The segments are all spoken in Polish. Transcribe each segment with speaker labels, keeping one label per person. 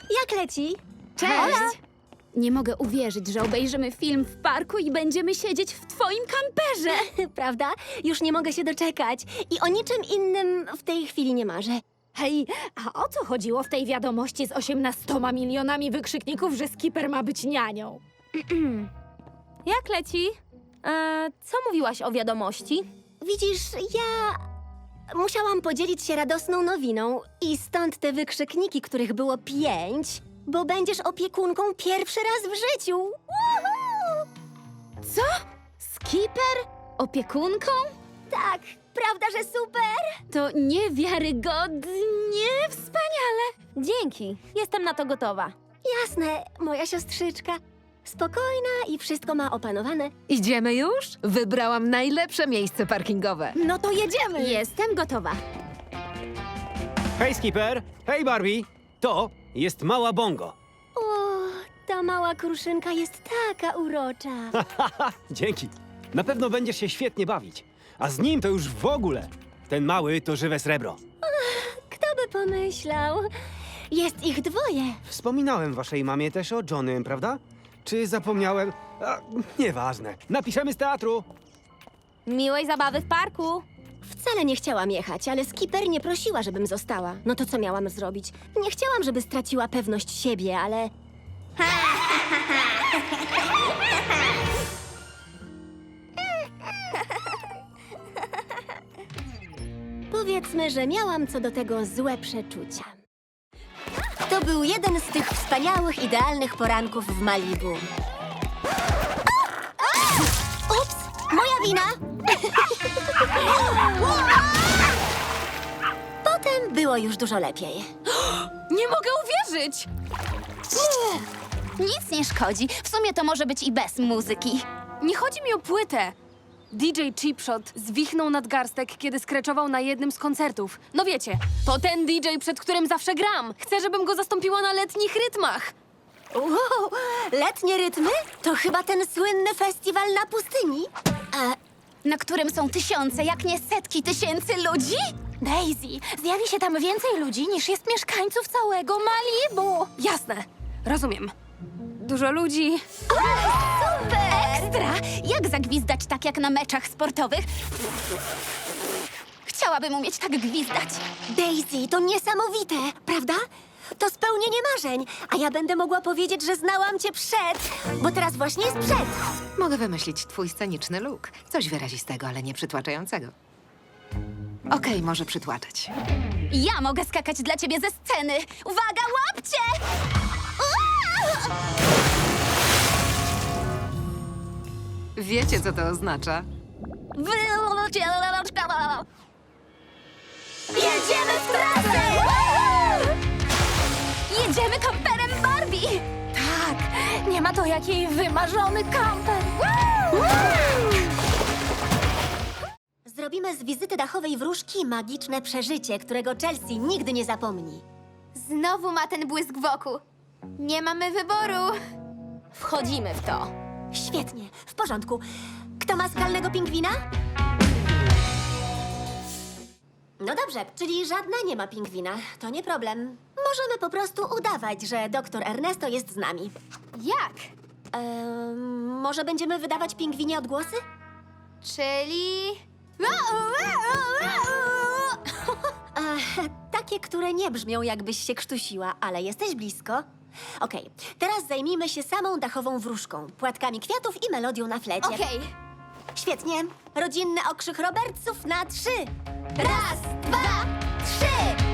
Speaker 1: Jak leci?
Speaker 2: Cześć! Nie mogę uwierzyć, że obejrzymy film w parku i będziemy siedzieć w twoim kamperze.
Speaker 1: Prawda? Już nie mogę się doczekać. I o niczym innym w tej chwili nie marzę.
Speaker 2: Hej, a o co chodziło w tej wiadomości z 18 milionami wykrzykników, że Skipper ma być nianią?
Speaker 3: Jak leci? Co mówiłaś o wiadomości?
Speaker 1: Widzisz, ja musiałam podzielić się radosną nowiną i stąd te wykrzykniki, których było 5, bo będziesz opiekunką pierwszy raz w życiu. Woohoo!
Speaker 2: Co? Skipper? Opiekunką?
Speaker 1: Tak, prawda, że super?
Speaker 2: To niewiarygodnie wspaniale.
Speaker 3: Dzięki, jestem na to gotowa.
Speaker 1: Jasne, moja siostrzyczka. Spokojna i wszystko ma opanowane.
Speaker 4: Idziemy już? Wybrałam najlepsze miejsce parkingowe.
Speaker 2: No to jedziemy. Jestem gotowa.
Speaker 5: Hej, Skipper! Hej, Barbie! To jest mała Bongo.
Speaker 1: O, ta mała kruszynka jest taka urocza.
Speaker 5: Haha, dzięki. Na pewno będziesz się świetnie bawić. A z nim to już w ogóle. Ten mały to żywe srebro.
Speaker 1: Kto by pomyślał? Jest ich 2.
Speaker 5: Wspominałem waszej mamie też o Johnnym, prawda? Czy zapomniałem? Nieważne. Napiszemy z teatru.
Speaker 3: Miłej zabawy w parku.
Speaker 1: Wcale nie chciałam jechać, ale Skipper nie prosiła, żebym została. No to co miałam zrobić? Nie chciałam, żeby straciła pewność siebie, ale... Powiedzmy, że miałam co do tego złe przeczucia. To był jeden z tych wspaniałych, idealnych poranków w Malibu. Ups! Moja wina! Potem było już dużo lepiej.
Speaker 2: Nie mogę uwierzyć! Nic nie szkodzi. W sumie to może być i bez muzyki.
Speaker 6: Nie chodzi mi o płytę. DJ Chipshot zwichnął nadgarstek, kiedy skreczował na jednym z koncertów. No wiecie, to ten DJ, przed którym zawsze gram. Chcę, żebym go zastąpiła na letnich rytmach.
Speaker 1: Wow, letnie rytmy? To chyba ten słynny festiwal na pustyni.
Speaker 2: Na którym są tysiące, jak nie setki tysięcy ludzi? Daisy, zjawi się tam więcej ludzi niż jest mieszkańców całego Malibu.
Speaker 6: Jasne, rozumiem. Dużo ludzi.
Speaker 2: Ekstra! Jak zagwizdać tak jak na meczach sportowych? Chciałabym umieć tak gwizdać.
Speaker 1: Daisy, to niesamowite, prawda? To spełnienie marzeń, a ja będę mogła powiedzieć, że znałam cię przed, bo teraz właśnie jest przed.
Speaker 4: Mogę wymyślić twój sceniczny look. Coś wyrazistego, ale nie przytłaczającego. Okej, może przytłaczać.
Speaker 2: Ja mogę skakać dla ciebie ze sceny. Uwaga, łapcie!
Speaker 4: Wiecie, co to oznacza?
Speaker 2: Jedziemy w trasę! Jedziemy kamperem Barbie! Tak, nie ma to jak jej wymarzony kamper.
Speaker 1: Zrobimy z wizyty dachowej wróżki magiczne przeżycie, którego Chelsea nigdy nie zapomni.
Speaker 2: Znowu ma ten błysk wokół. Nie mamy wyboru.
Speaker 3: Wchodzimy w to.
Speaker 1: Świetnie, w porządku. Kto ma skalnego pingwina? No dobrze, czyli żadna nie ma pingwina. To nie problem. Możemy po prostu udawać, że doktor Ernesto jest z nami.
Speaker 2: Jak?
Speaker 1: Może będziemy wydawać pingwinie odgłosy?
Speaker 2: Czyli...
Speaker 1: Takie, które nie brzmią, jakbyś się krztusiła, ale jesteś blisko. Okej, teraz zajmijmy się samą dachową wróżką, płatkami kwiatów i melodią na flecie.
Speaker 2: Okej.
Speaker 1: Świetnie. Rodzinny okrzyk Robertsów na 3.
Speaker 2: Raz, 2, 3!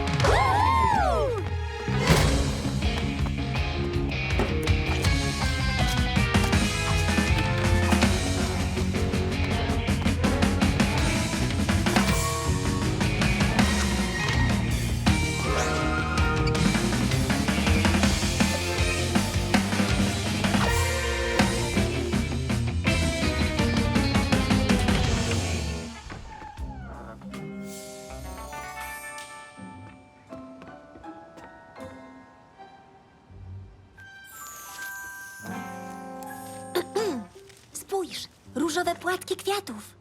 Speaker 1: Spójrz, różowe płatki kwiatów.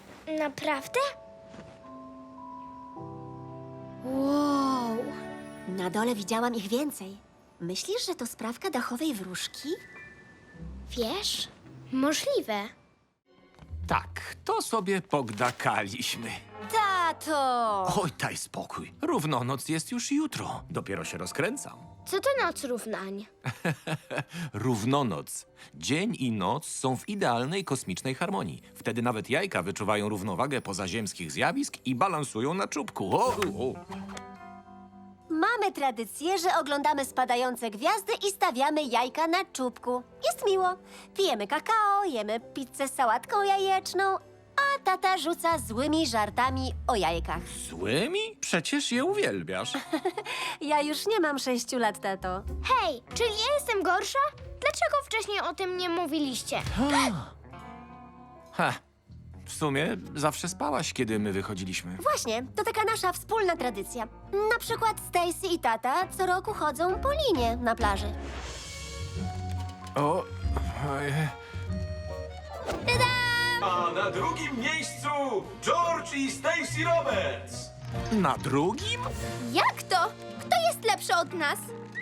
Speaker 2: Naprawdę?
Speaker 1: Wow. Na dole widziałam ich więcej. Myślisz, że to sprawka dachowej wróżki?
Speaker 7: Wiesz? Możliwe.
Speaker 8: Tak, to sobie pogdakaliśmy.
Speaker 1: Tato!
Speaker 8: Oj, daj spokój. Równonoc jest już jutro. Dopiero się rozkręcam.
Speaker 7: Co to noc równań?
Speaker 8: Równonoc. Dzień i noc są w idealnej kosmicznej harmonii. Wtedy nawet jajka wyczuwają równowagę pozaziemskich zjawisk i balansują na czubku.
Speaker 1: Mamy tradycję, że oglądamy spadające gwiazdy i stawiamy jajka na czubku. Jest miło. Pijemy kakao, jemy pizzę z sałatką jajeczną, a tata rzuca złymi żartami o jajkach.
Speaker 8: Złymi? Przecież je uwielbiasz.
Speaker 1: Ja już nie mam 6 lat, tato.
Speaker 7: Hej, czyli ja jestem gorsza? Dlaczego wcześniej o tym nie mówiliście?
Speaker 8: Ha, w sumie zawsze spałaś, kiedy my wychodziliśmy.
Speaker 1: Właśnie, to taka nasza wspólna tradycja. Na przykład Stacy i tata co roku chodzą po linie na plaży.
Speaker 8: O,
Speaker 9: A na drugim miejscu George i Stacy Roberts.
Speaker 8: na drugim?
Speaker 2: Jak to? Kto jest lepszy od nas?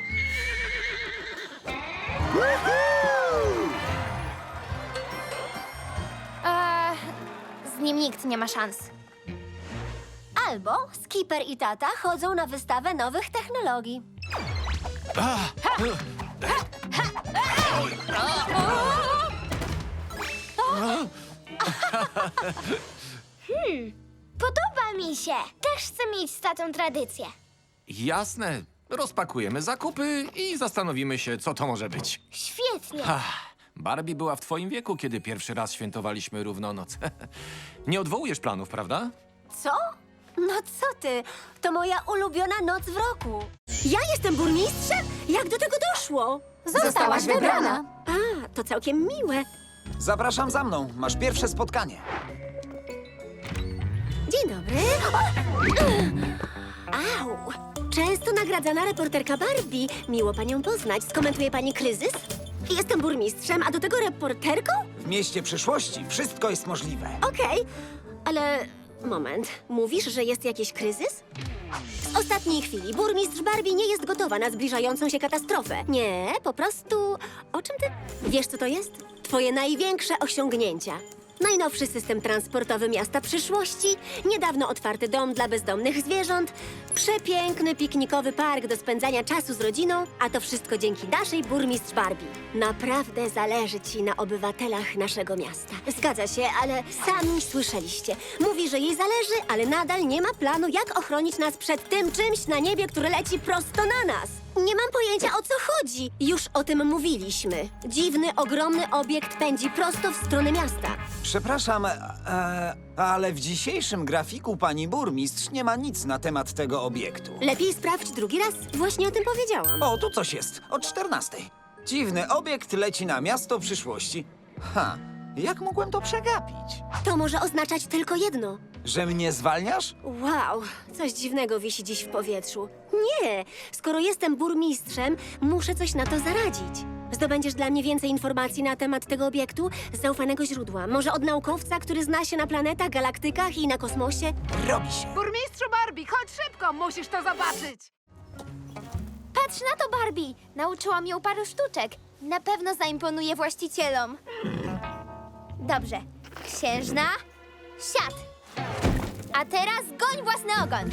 Speaker 2: Z nim nikt nie ma szans.
Speaker 1: Albo Skipper i tata chodzą na wystawę nowych technologii.
Speaker 7: Podoba mi się. Też chcę mieć z tatą tradycję.
Speaker 8: Jasne. Rozpakujemy zakupy i zastanowimy się, co to może być.
Speaker 7: Świetnie.
Speaker 8: Barbie była w twoim wieku, kiedy pierwszy raz świętowaliśmy równonoc. Nie odwołujesz planów, prawda?
Speaker 1: Co? No co ty? To moja ulubiona noc w roku. Ja jestem burmistrzem? Jak do tego doszło?
Speaker 2: Zostałaś wybrana.
Speaker 1: A, to całkiem miłe.
Speaker 10: Zapraszam za mną. Masz pierwsze spotkanie.
Speaker 1: Dzień dobry. Au! Często nagradzana reporterka Barbie. Miło panią poznać. Skomentuje pani kryzys? Jestem burmistrzem, a do tego reporterką?
Speaker 10: W mieście przyszłości wszystko jest możliwe.
Speaker 1: Okej, ale moment. Mówisz, że jest jakiś kryzys? W ostatniej chwili burmistrz Barbie nie jest gotowa na zbliżającą się katastrofę. Nie, po prostu... O czym ty... Wiesz, co to jest? Twoje największe osiągnięcia. Najnowszy system transportowy miasta przyszłości, niedawno otwarty dom dla bezdomnych zwierząt, przepiękny piknikowy park do spędzania czasu z rodziną, a to wszystko dzięki naszej burmistrz Barbie. Naprawdę zależy ci na obywatelach naszego miasta. Zgadza się, ale sami słyszeliście. Mówi, że jej zależy, ale nadal nie ma planu, jak ochronić nas przed tym czymś na niebie, które leci prosto na nas. Nie mam pojęcia, o co chodzi. Już o tym mówiliśmy. Dziwny, ogromny obiekt pędzi prosto w stronę miasta.
Speaker 10: Przepraszam, ale w dzisiejszym grafiku pani burmistrz nie ma nic na temat tego obiektu.
Speaker 1: Lepiej sprawdź drugi raz. Właśnie o tym powiedziałam.
Speaker 10: O, tu coś jest. O 14. Dziwny obiekt leci na miasto przyszłości. Jak mogłem to przegapić?
Speaker 1: To może oznaczać tylko jedno.
Speaker 10: Że mnie zwalniasz?
Speaker 1: Wow, coś dziwnego wisi dziś w powietrzu. Nie, skoro jestem burmistrzem, muszę coś na to zaradzić. Zdobędziesz dla mnie więcej informacji na temat tego obiektu z zaufanego źródła. Może od naukowca, który zna się na planetach, galaktykach i na kosmosie?
Speaker 10: Robi się.
Speaker 11: Burmistrzu Barbie, chodź szybko, musisz to zobaczyć.
Speaker 2: Patrz na to, Barbie! Nauczyłam ją paru sztuczek. Na pewno zaimponuje właścicielom. Dobrze. Księżna, siad! A teraz goń własny ogon.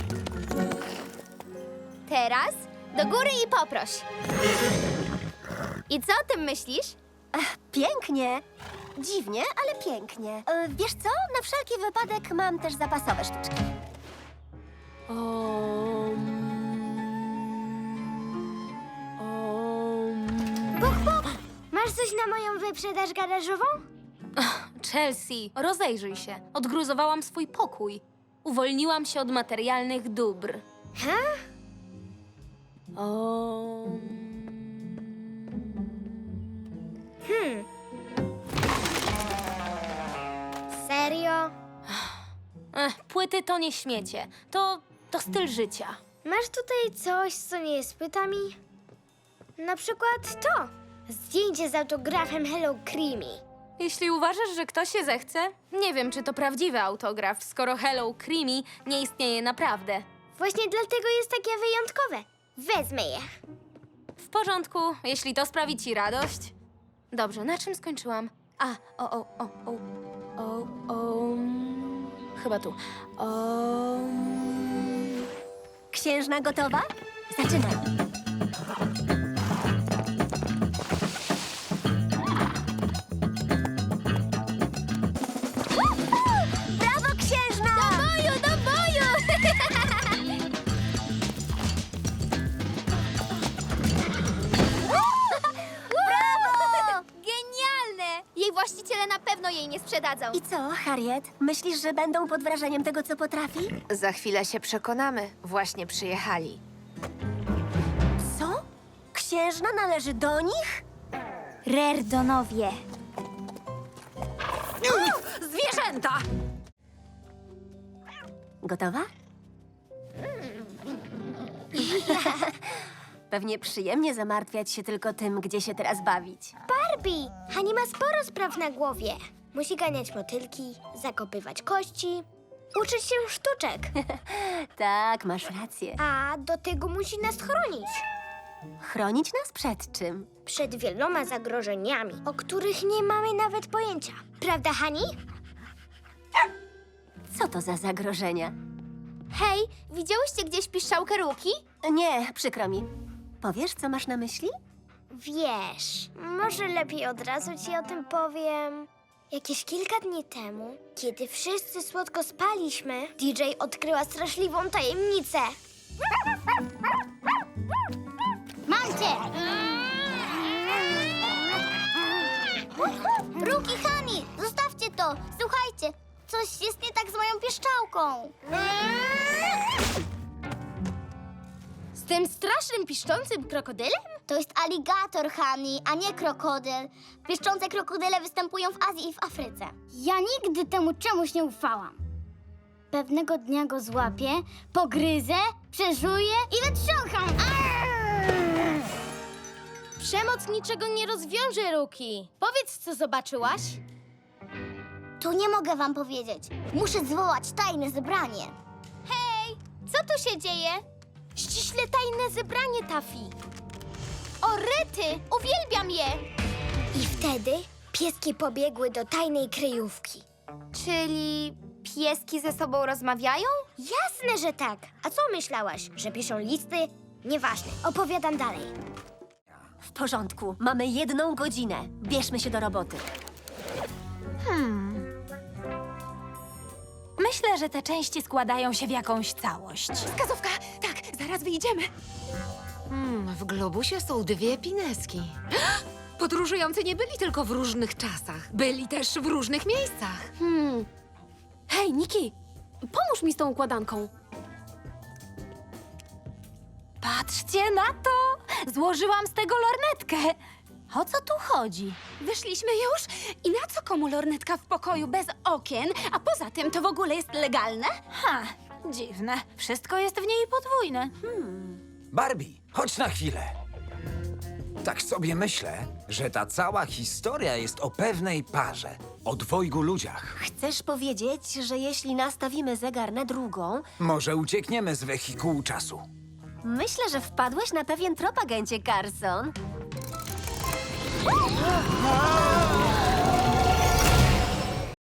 Speaker 2: Teraz do góry i poproś. I co o tym myślisz?
Speaker 1: Pięknie. Dziwnie, ale pięknie. Wiesz co? Na wszelki wypadek mam też zapasowe sztuczki.
Speaker 7: Masz coś na moją wyprzedaż garażową?
Speaker 3: Chelsea, rozejrzyj się. Odgruzowałam swój pokój. Uwolniłam się od materialnych dóbr.
Speaker 7: Serio?
Speaker 3: Płyty to nie śmiecie. To styl życia.
Speaker 7: Masz tutaj coś, co nie jest płytami? Na przykład to. Zdjęcie z autografem Hello Creamy.
Speaker 3: Jeśli uważasz, że ktoś się zechce, nie wiem, czy to prawdziwy autograf, skoro Hello Creamy nie istnieje naprawdę.
Speaker 7: Właśnie dlatego jest takie wyjątkowe. Wezmę je.
Speaker 3: W porządku, jeśli to sprawi ci radość. Dobrze, na czym skończyłam? Chyba tu.
Speaker 1: Księżna gotowa? Zaczynaj. Brawo, księżna!
Speaker 2: Do boju, do boju! Brawo! Genialne! Jej właściciele na pewno jej nie sprzedadzą.
Speaker 1: I co, Harriet? Myślisz, że będą pod wrażeniem tego, co potrafi?
Speaker 4: Za chwilę się przekonamy. Właśnie przyjechali.
Speaker 1: Co? Księżna należy do nich?
Speaker 2: Rerdonowie.
Speaker 6: Zwierzęta!
Speaker 1: Gotowa? Pewnie przyjemnie zamartwiać się tylko tym, gdzie się teraz bawić.
Speaker 7: Barbie! Hani ma sporo spraw na głowie. Musi ganiać motylki, zakopywać kości, uczyć się sztuczek.
Speaker 1: Tak, masz rację.
Speaker 7: A do tego musi nas chronić.
Speaker 1: Chronić nas przed czym?
Speaker 7: Przed wieloma zagrożeniami, o których nie mamy nawet pojęcia. Prawda, Hani?
Speaker 1: Co to za zagrożenia?
Speaker 2: Hej, widziałyście gdzieś piszczałkę Ruki?
Speaker 1: Nie, przykro mi. Powiesz, co masz na myśli?
Speaker 7: Wiesz, może lepiej od razu ci o tym powiem. Jakieś kilka dni temu, kiedy wszyscy słodko spaliśmy, DJ odkryła straszliwą tajemnicę. Mam cię! Ruki, Hani, zostawcie to! Słuchajcie, coś jest nie tak z moją pieszczałką.
Speaker 2: Z tym strasznym, piszczącym krokodylem?
Speaker 7: To jest aligator, Hani, a nie krokodyl. Pieszczące krokodyle występują w Azji i w Afryce. Ja nigdy temu czemuś nie ufałam. Pewnego dnia go złapię, pogryzę, przeżuję i wytrzącham.
Speaker 2: Przemoc niczego nie rozwiąże, Ruki. Powiedz, co zobaczyłaś?
Speaker 7: Tu nie mogę wam powiedzieć. Muszę zwołać tajne zebranie.
Speaker 2: Hej, co tu się dzieje? Ściśle tajne zebranie, Taffy. O, rety! Uwielbiam je!
Speaker 7: I wtedy pieski pobiegły do tajnej kryjówki.
Speaker 2: Czyli pieski ze sobą rozmawiają?
Speaker 7: Jasne, że tak. A co myślałaś, że piszą listy? Nieważne, opowiadam dalej.
Speaker 1: W porządku, mamy 1 godzinę. Bierzmy się do roboty.
Speaker 3: Myślę, że te części składają się w jakąś całość.
Speaker 4: Wskazówka! Tak, zaraz wyjdziemy. W globusie są 2 pineski. Podróżujący nie byli tylko w różnych czasach. Byli też w różnych miejscach.
Speaker 6: Hej, Niki, pomóż mi z tą układanką.
Speaker 3: Patrzcie na to! Złożyłam z tego lornetkę. O co tu chodzi?
Speaker 12: Wyszliśmy już? I na co komu lornetka w pokoju bez okien? A poza tym to w ogóle jest legalne?
Speaker 3: Dziwne. Wszystko jest w niej podwójne.
Speaker 10: Barbie, chodź na chwilę. Tak sobie myślę, że ta cała historia jest o pewnej parze. O 2 ludziach.
Speaker 1: Chcesz powiedzieć, że jeśli nastawimy zegar na drugą,
Speaker 10: Może uciekniemy z wehikułu czasu.
Speaker 1: myślę, że wpadłeś na pewien trop, agencie Carson.